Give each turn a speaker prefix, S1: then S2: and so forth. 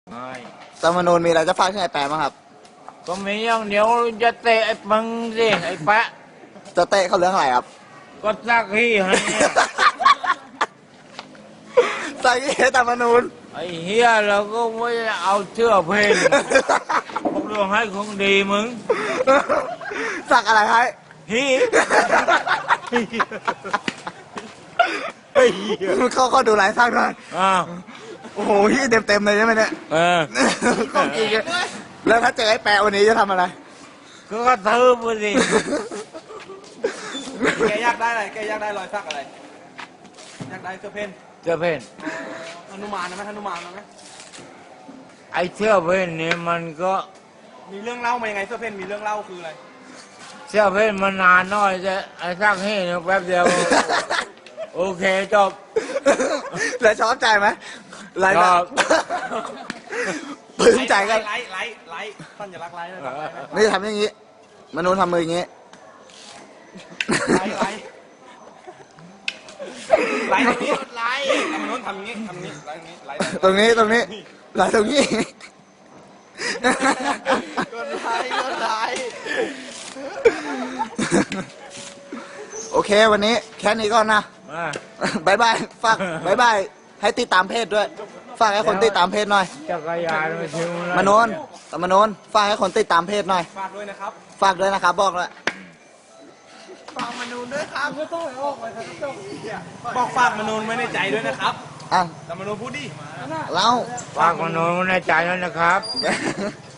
S1: ไม่
S2: รัฐธรรมนูญมีอะไรจะฝากถึงไอ้แปะบ้างครับ
S1: ก็มีอย่างเดียวจะเตะไอ้มึงสิไอ้แปะ
S2: จะเตะเขาเรื่องอะไรครับ
S1: ก็ซักที่ให้เนี่ย
S2: ใส่รัฐธรรมนูญ
S1: ไอ้เฮียเราก็ไม่ได้เอาเชื่อเพลงพวกเรื่องให้ของดีมึง
S2: สักอะไรให้
S1: ฮี
S2: เขาดูหลายสักหน่อย
S1: อ้าว
S2: โอ้โหที่เต็มเลยใช่ไหมเนี่ย
S1: เออ
S2: ของจริงอะแล้วถ้าเจอไอ้แปะวันนี้จะทำอะไร
S1: ก็กระทืบไปสิ
S3: แกอยากได้อะไร แกอยากได้รอยสักอะไร อยากได้เสื้อเพน
S1: เชื่อเพลง
S3: ฮนุมานนะไหมฮนุมานนะไหม
S1: ไอ้เชื่อเพลงนี่มันก็
S3: มีเรื่องเล่ามายังไงเสื้อเพนมีเรื่องเล่าคืออะไร
S1: เชื่อเพลงมันนานหน่อยแต่ไอ้ซักให้เนี่ยแป๊บเดียว โอเคจบ
S2: แล้วชอบใจไหมไลฟ์
S1: ชอบ
S2: ปลื้มใจกัน
S3: ไลท์สัญลักษณ์ไลท์นะครับ
S2: นี่ทำอย่างนี้ มนุษย์ทำมืออย่างนี้
S3: ไลท์ตรงนี้ไลท์ทำนู้นทำอย่างนี้ทำอย่างนี้ไลท์ตรงนี้ไลท์
S2: ตรงนี้ไลฟ์ตรงนี้
S3: กดไลท์
S2: โอเควันนี้แค่นี้ก่อนนะ
S1: อ่ะ
S2: บายบายฝากบายบายให้ติดตามเพจด้วย ฝากให้คนติดตามเพจหน่อย
S1: จักรยานมาถึงแล้ว
S2: มโนนแต่มโนนฝากให้คนติดตามเพจหน่อย
S3: ฝากด้วยนะครับ
S2: ฝากด้วยนะครับบอกเลย
S3: ฝากมนูนด้วยครับก็ต้องออกไปทั้งจบบอกฝากมนูนไว้ในใจด้วยนะครับ
S2: อ่ะ
S3: แต่มนูนพูดดิ
S2: เรา
S1: ฝากมโนในใจแล้วนะครับ